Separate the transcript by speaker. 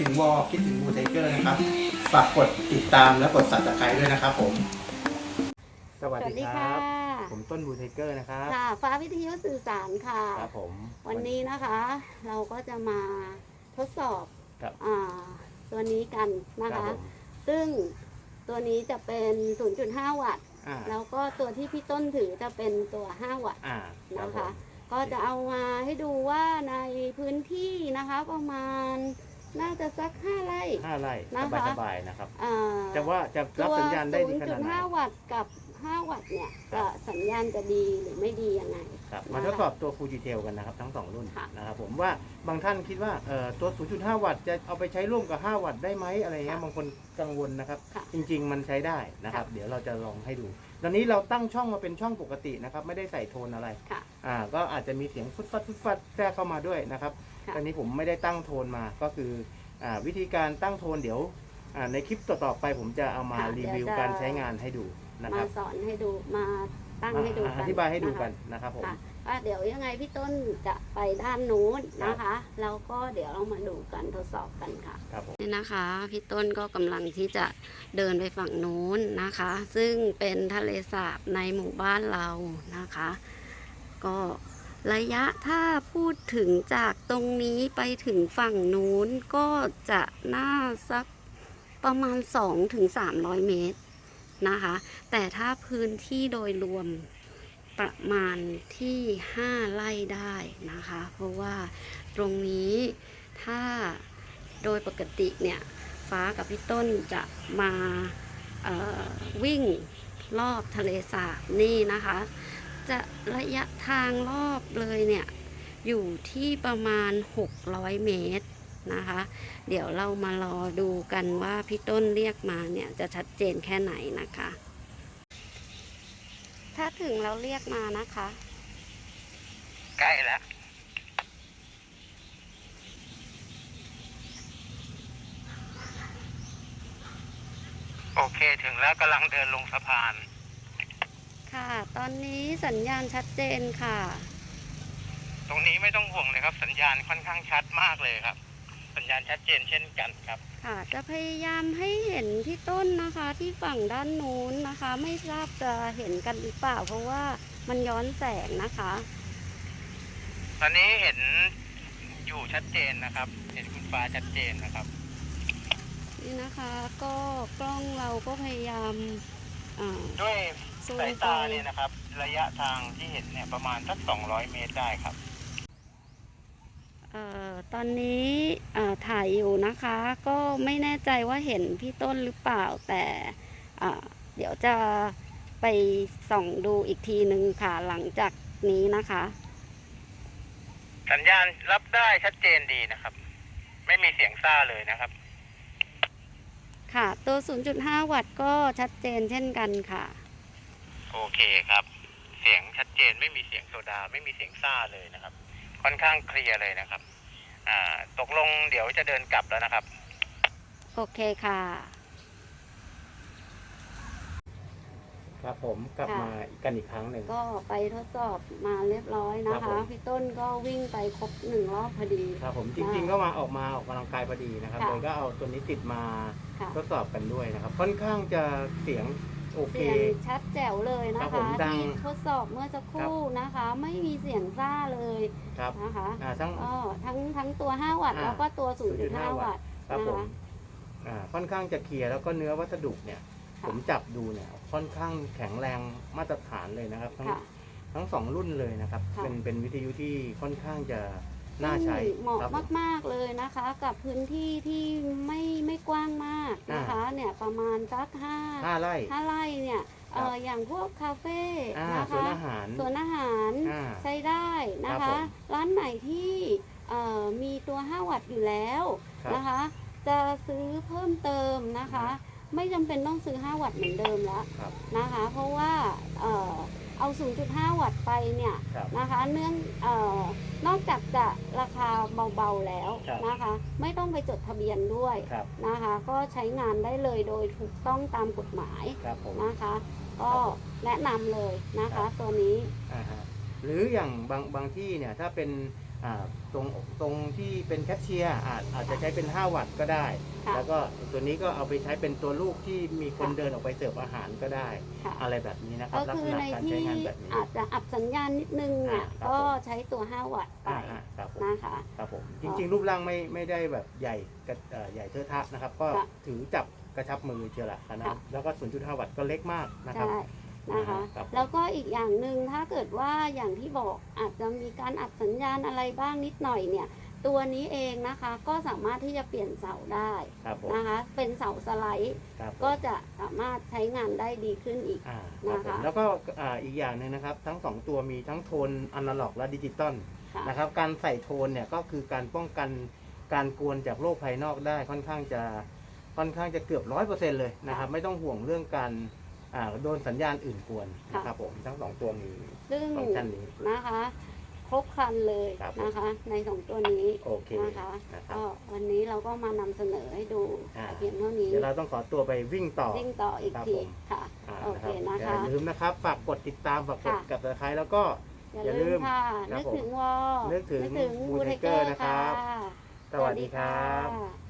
Speaker 1: ถึงวอลคิดถึงบูไทเกอร์นะครับฝากกดติดตามและกด Subscribe ด้วยนะครับผมสวัสดีครับผมต้นบูไทเกอร์นะครับ
Speaker 2: ค่ะฟ้าวิทยุสื่อสารค่ะ
Speaker 1: ครับผม
Speaker 2: วันนี้นะคะเราก็จะมาทดสอบตัวนี้กันนะคะซึ่งตัวนี้จะเป็น 0.5 วัตต์แล้วก็ตัวที่พี่ต้นถือจะเป็นตัว 5 วัตต์นะคะก็จะเอามาให้ดูว่าในพื้นที่นะคะประมาณน่าจะสัก5 ไร่
Speaker 1: นะคะสบายๆนะครับจะว่าจะรับสัญญาณได้ดีขนาดไหน
Speaker 2: 0.5 วัตต์กับ5 วัตต์เนี่ยจะสัญญาณจะดีหรือไม่ดียังไง
Speaker 1: ครับมาทดสอบตัว Fujitel กันนะครับทั้ง2รุ่นนะครับผมว่าบางท่านคิดว่าตัว 0.5 วัตต์จะเอาไปใช้ร่วมกับ5 วัตต์ได้ไหมอะไรเงี้ยบางคนกังวลนะครับจริงๆมันใช้ได้นะครับเดี๋ยวเราจะลองให้ดูตอนนี้เราตั้งช่องมาเป็นช่องปกตินะครับไม่ได้ใส่โทนอะไรก็อาจจะมีเสียงฟุดฟัดแทรกเข้ามาด้วยนะครับตอนนี้ผมไม่ได้ตั้งโทนมาก็คือวิธีการตั้งโทนเดี๋ยวในคลิปต่อๆไปผมจะเอามารีวิวการใช้งานให้ดู
Speaker 2: มาสอนให้ดูมาตั้งให้ดู
Speaker 1: อธิบายให้ดูกันนะครับผม
Speaker 2: เดี๋ยวยังไงพี่ต้นจะไปด้านนู้นนะคะแล้วก็เดี๋ยวเรามาดูกันทดสอบกันค่ะนี่นะคะพี่ต้นก็กำลังที่จะเดินไปฝั่งนู้นนะคะซึ่งเป็นทะเลสาบในหมู่บ้านเรานะคะก็ระยะถ้าพูดถึงจากตรงนี้ไปถึงฝั่งนู้นก็จะน่าสักประมาณ 200-300 เมตรนะคะแต่ถ้าพื้นที่โดยรวมประมาณที่5 ไร่ได้นะคะเพราะว่าตรงนี้ถ้าโดยปกติเนี่ยฟ้ากับพี่ต้นจะมาวิ่งรอบทะเลสาบนี่นะคะจะระยะทางรอบเลยเนี่ยอยู่ที่ประมาณ600 เมตรนะคะเดี๋ยวเรามารอดูกันว่าพี่ต้นเรียกมาเนี่ยจะชัดเจนแค่ไหนนะคะถ้าถึงเราเรียกมานะคะ
Speaker 1: ใกล้แล้วโอเคถึงแล้วกำลังเดินลงสะพาน
Speaker 2: ค่ะตอนนี้สัญญาณชัดเจนค่ะ
Speaker 1: ตรงนี้ไม่ต้องห่วงเลยครับสัญญาณค่อนข้างชัดมากเลยครับสัญญาณชัดเจนเช่นกันครับ
Speaker 2: ค่ะจะพยายามให้เห็นที่ต้นนะคะที่ฝั่งด้านนู้นนะคะไม่ทราบจะเห็นกันหรือเปล่าเพราะว่ามันย้อนแสงนะคะ
Speaker 1: ตอนนี้เห็นอยู่ชัดเจนนะครับเห็นคุณฟ้าชัดเจนนะครับ
Speaker 2: นี่นะคะก็กล้องเราก็พยายาม
Speaker 1: ด้วยสายตาเนี่ยนะครับระยะทางที่เห็นเนี่ยประมาณสัก200 เมตรได้ครับ
Speaker 2: ตอนนี้ถ่ายอยู่นะคะก็ไม่แน่ใจว่าเห็นพี่ต้นหรือเปล่าแต่เดี๋ยวจะไปส่องดูอีกทีหนึ่งค่ะหลังจากนี้นะคะ
Speaker 1: สัญญาณรับได้ชัดเจนดีนะครับไม่มีเสียงซ่าเลยนะครับ
Speaker 2: ค่ะตัว 0.5 วัตต์ก็ชัดเจนเช่นกันค่ะ
Speaker 1: โอเคครับเสียงชัดเจนไม่มีเสียงโซดาไม่มีเสียงซ่าเลยนะครับค่อนข้างเคลียร์เลยนะครับตกลงเดี๋ยวจะเดินกลับแล้วนะครับ
Speaker 2: โอเคค่ะ
Speaker 1: ครับผมกลับมากันอีกครั้งหนึ่ง
Speaker 2: ก็ไปทดสอบมาเรียบร้อยนะคะพี่ต้นก็วิ่งไปครบ1 รอบพอดี
Speaker 1: ครับผมจริงๆก็ออกกำลังกายพอดีนะครับเลยก็เอาตัวนี้ติดมาทดสอบกันด้วยนะครับค่อนข้างจะเสียงโอเค
Speaker 2: ชัดแจ๋วเลยนะคะที่ทดสอบเมื่อสักครู่นะคะไม่มีเสียงซ่าเลยนะคะทั้งตัว5 วัตต์แล้วก็ตัว 0.5 วัตต์
Speaker 1: นะคะค่อนข้างจะเคลียร์แล้วก็เนื้อวัสดุเนี่ยผมจับดูเนี่ยค่อนข้างแข็งแรงมาตรฐานเลยนะครับทั้ง2 รุ่นเลยนะครับเป็นวิทยุที่ค่อนข้างจะน่าใช้
Speaker 2: เหมาะมากๆเลยนะคะกับพื้นที่ที่ไม่กว้างมากนะคะเนี่ยประมาณสัก5 ไร่เนี่ยอย่างพวกคาเฟ่นะคะสวนอาหารใช้ได้นะคะร้านไหนที่มีตัว5 วัตต์อยู่แล้วนะคะจะซื้อเพิ่มเติมนะคะไม่จำเป็นต้องซื้อ5 วัตต์เหมือนเดิมแล้วนะคะเพราะว่าเอา 0.5 วัตต์ไปเนี่ยนะคะนอกจากจะราคาเบาๆแล้วนะคะไม่ต้องไปจดทะเบียนด้วยนะคะก็ใช้งานได้เลยโดยถูกต้องตามกฎหมายนะคะก็แนะนำเลยนะคะตัวนี้
Speaker 1: หรืออย่างบางที่เนี่ยถ้าเป็นตรงที่เป็นแคชเชียร์อาจจะใช้เป็น5 วัตต์ก็ได้ แล้วก็ตัวนี้ก็เอาไปใช้เป็นตัวลูกที่มีคนเดินออกไปเสิร์ฟอาหารก็ได้อะไรแบบนี้นะครับลักษณะการใช้งานแบบนี้
Speaker 2: อาจจะอับสัญญาณนิดนึงเนี่ยก็ใช้ตัว5 วัตต์ไปนะคะ
Speaker 1: ครับผมจริงๆรูปร่างไม่ได้แบบใหญ่เทอะทะนะครับก็ถือจับกระชับมือเชียวละนะแล้วก็ 0.5 วัตต์ก็เล็กมากนะครับ
Speaker 2: นะคะแล้วก็อีกอย่างหนึ่งถ้าเกิดว่าอย่างที่บอกอาจจะมีการอับสัญญาณอะไรบ้างนิดหน่อยเนี่ยตัวนี้เองนะคะก็สามารถที่จะเปลี่ยนเสาได้นะคะเป็นเสาสไลด์ก็จะสามารถใช้งานได้ดีขึ้นอีกนะคะ
Speaker 1: แล้วก็อีกอย่างหนึ่งนะครับทั้ง2ตัวมีทั้งโทนอนาล็อกและดิจิตอลนะครับการใส่โทนเนี่ยก็คือการป้องกันการกวนจากโลกภายนอกได้ค่อนข้างจะเกือบ 100% เลยนะครับไม่ต้องห่วงเรื่องการโดนสัญญาณอื่นกวนนะครับผมทั้ง2ตัวมีฟังก์ชันนี้
Speaker 2: นะคะครบครันเลยนะคะใน2ตัวนี้นะคะก็วันนี้เราก็มานำเสนอให้ดูเพียงเท่านี้
Speaker 1: เดี๋ยวเราต้องขอตัวไปวิ่งต่อ
Speaker 2: อีกทีค่ะโอเคนะคะ
Speaker 1: อย่าลืมนะครับฝากกดติดตามฝากกดกับใครแล้วก็
Speaker 2: อย่าลืมค่ะนึกถึง
Speaker 1: นึกถึงบูไทเกอร์นะครับสวัสดีครับ